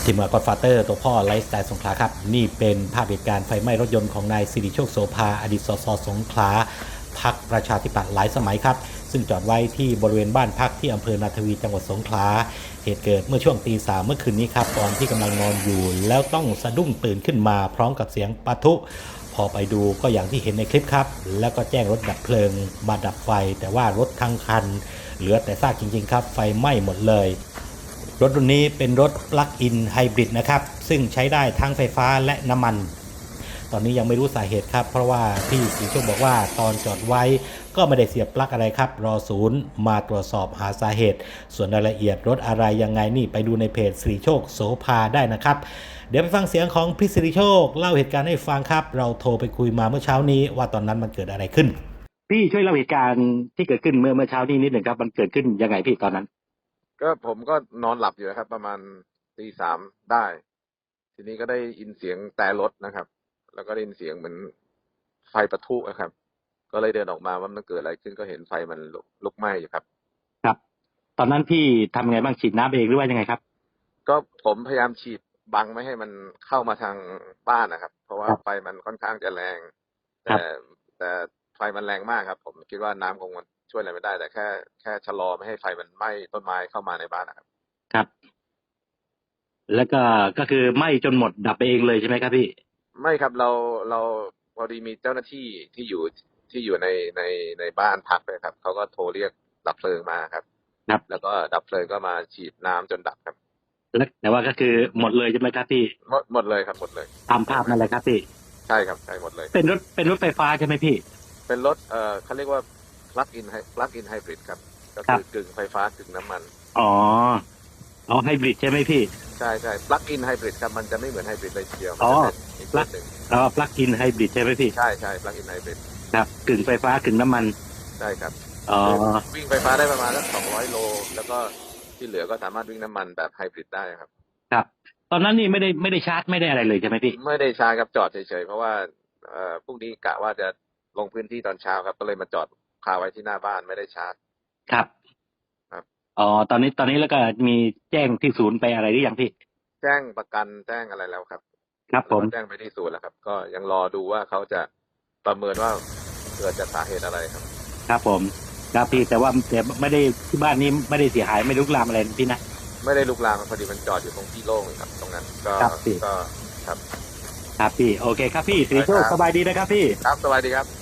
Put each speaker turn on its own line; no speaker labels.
ทีมงาน Godfather ตัวพ่อไลฟ์สไตล์สงขลาครับนี่เป็นภาพเหตุการณ์ไฟไหม้รถยนต์ของนายสิริโชคโสภาอดีตสสสงขลาพรรคประชาธิปัตย์หลายสมัยครับซึ่งจอดไว้ที่บริเวณบ้านพักที่อำเภอนาทวีจังหวัดสงขลาเหตุเกิดเมื่อช่วงตี 3เมื่อคืนนี้ครับตอนที่กำลังนอนอยู่แล้วต้องสะดุ้งตื่นขึ้นมาพร้อมกับเสียงปะทุพอไปดูก็อย่างที่เห็นในคลิปครับแล้วก็แจ้งรถดับเพลิงมาดับไฟแต่ว่ารถทั้งคันเหลือแต่ซากจริงๆครับไฟไหม้หมดเลยรถรุ่นนี้เป็นรถปลั๊กอินไฮบริดนะครับซึ่งใช้ได้ทั้งไฟฟ้าและน้ำมันตอนนี้ยังไม่รู้สาเหตุครับเพราะว่าพี่สีโชคบอกว่าตอนจอดไว้ก็ไม่ได้เสียบปลั๊กอะไรครับรอศูนย์มาตรวจสอบหาสาเหตุส่วนรายละเอียดรถอะไรยังไงนี่ไปดูในเพจสิริโชคโสภาได้นะครับเดี๋ยวไปฟังเสียงของพี่สิริโชคเล่าเหตุการณ์ให้ฟังครับเราโทรไปคุยมาเมื่อเช้านี้ว่าตอนนั้นมันเกิดอะไรขึ้นพี่ช่วยเล่าเหตุการณ์ที่เกิดขึ้นเมื่อเช้านี้นิดหนึ่งครับมันเกิดขึ้นยังไงพี่ตอนนั้น
ก็ผมก็นอนหลับอยู่นะครับประมาณตี 3ได้ ทีนี้ก็ได้ยินเสียงแต่รถนะครับ แล้วก็ได้ยินเสียงเหมือนไฟปะทุนะครับ ก็เลยเดินออกมาว่ามันเกิดอะไรขึ้นก็เห็นไฟมันลุกไหม้อยู่ครับ
ครับตอนนั้นพี่ทำไงบ้างฉีดน้ำเองหรือว่ายังไงครับ
ก็ผมพยายามฉีดบังไม่ให้มันเข้ามาทางบ้านนะครับ เพราะว่าไฟมันค่อนข้างจะแรงแต่ไฟมันแรงมากครับ ผมคิดว่าน้ำคงช่วยอะไรไม่ได้แต่แค่ชะลอไม่ให้ไฟมันไหม้ต้นไม้เข้ามาในบ้านนะครับ
ครับแล้วก็คือไหม้จนหมดดับไปเองเลยใช่ไหมครับพี่
ไม่ครับเราพอดีมีเจ้าหน้าที่ที่อยู่ในบ้านพักเลยครับเขาก็โทรเรียกดับเพลิงมาครับแล้วก็ดับเพลิงก็มาฉีดน้ำจนดับครับ
แล้วแต่ว่าก็คือหมดเลยใช่ไหมครับพี่
หมดเลยครับหมดเลย
ตามภาพนั่นแหละครับพี่
ใช่ครับใช่หมดเลย
เป็นรถไฟฟ้าใช่ไหมพี่
เป็นรถเขาเรียกว่า plug in hybrid ครับก็คือกึ่งไฟฟ้ากึ่งน้ำมัน
อ๋อไฮบริดใช่ไหมพี่
ใช่ plug in hybrid ครับมันจะไม่เหมือนไฮบริดเลยทีเดียว
อ๋อปลั๊กอินไฮบริดใช่ไหมพี่
ใช่ plug in hybrid
ครับกึ่งไฟฟ้ากึ่งน้ำมัน
ใช่ครับวิ่งไฟฟ้าได้ประมาณสัก200 โลแล้วก็ที่เหลือก็สามารถวิ่งน้ำมันแบบไฮบริดได้ครับ
ครับตอนนั้นนี่ไม่ได้ชาร์จไม่ได้อะไรเลยใช่ไหมพี่
ไม่ได้ชาร์จครับจอดเฉยๆเพราะว่าพรุ่งนี้กะว่าจะลงพื้นที่ตอนเช้าครับก็เลยมาจอดคาไว้ที่หน้าบ้านไม่ได้ชาร์จ
ครับอ๋อตอนนี้แล้วก็มีแจ้งที่ศูนย์ไปอะไรหรือยังพี่
แจ้งประกันแจ้งอะไรแล้วครับ
ครับผม
แจ้งไปที่ศูนย์แล้วครับก็ยังรอดูว่าเขาจะประเมินว่าเกิดจากสาเหตุอะไรครับ
ครับผมครับพี่แต่ไม่ได้ที่บ้านนี้ไม่ได้เสียหายไม่ลุกลามอะไรพี่นะ
ไม่ได้ลุกลามพอดีมันจอดอยู่ตรงที่โล่งครับตรงนั้นก็
ครับพี่โอเคครับพี่สิริโชคสบายดีนะครับพี่
ครับสบายดีครับ